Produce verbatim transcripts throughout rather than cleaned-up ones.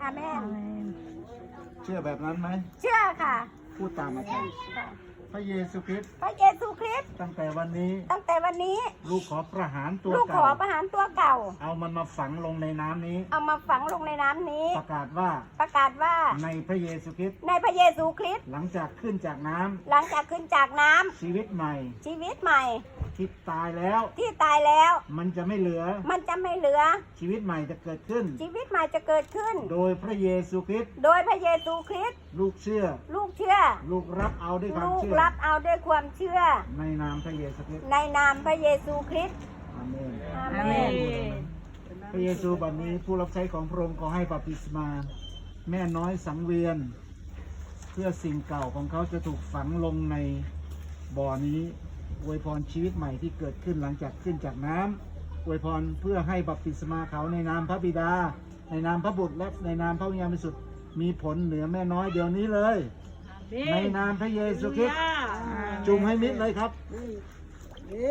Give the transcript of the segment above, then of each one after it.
อาเมนเชื่อแบบนั้นไหมเชื่อค่ะพูดตามอาจารย์พระเยซูคริสต์พระเยซูคริสต์ตั้งแต่วันนี้ตั้งแต่วันนี้ลูกขอประหารตัวลูกขเก่าอประหารตัวเก่าเอามันมาฝังลงในน้ำนี้เอามาฝังลงในน้ำนี้ประกาศว่าประกาศว่าในพระเยซูคริสต์ในพระเยซูคริสต์หลังจากขึ้นจากน้ำหลังจากขึ้นจากน้ำชีวิตใหม่ชีวิตใหม่ที่ตายแล้วที่ตายแล้วมันจะไม่เหลือมันจะไม่เหลือชีวิตใหม่จะเกิดขึ้นชีวิตใหม่จะเกิดขึ้นโดยพระเยซูคริสต์โดยพระเยซูคริสต์ลูกเชื่อลูกเชื่อลูกรับเอาด้วยความลูกเชื่อรับเอาด้วยความเชื่อในนามพระเยซูคริสต์ในนามพระเยซูคริสต์อาเมนอาเมนพระเยซูบัดนี้ผู้รับใช้ของพระองค์ขอให้บัพติศมา แม่น้อยสังเวียน เพื่อสิ่งเก่าของเขาจะถูกฝังลงในบ่อนี้อวยพรชีวิตใหม่ที่เกิดขึ้นหลังจากขึ้นจากน้ำอวยพรเพื่อให้บัพติศมาเขาในนามพระบิดา ในนามพระบุตรและในนามพระวิญญาณบริสุทธิ์มีผลเหนือแม่น้อยเดี๋ยวนี้เลย ในนามพระเยซูคริสต์จุ่มให้มิดเลยครับเย้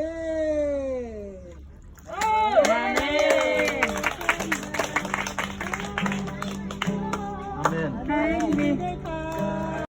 อาเมน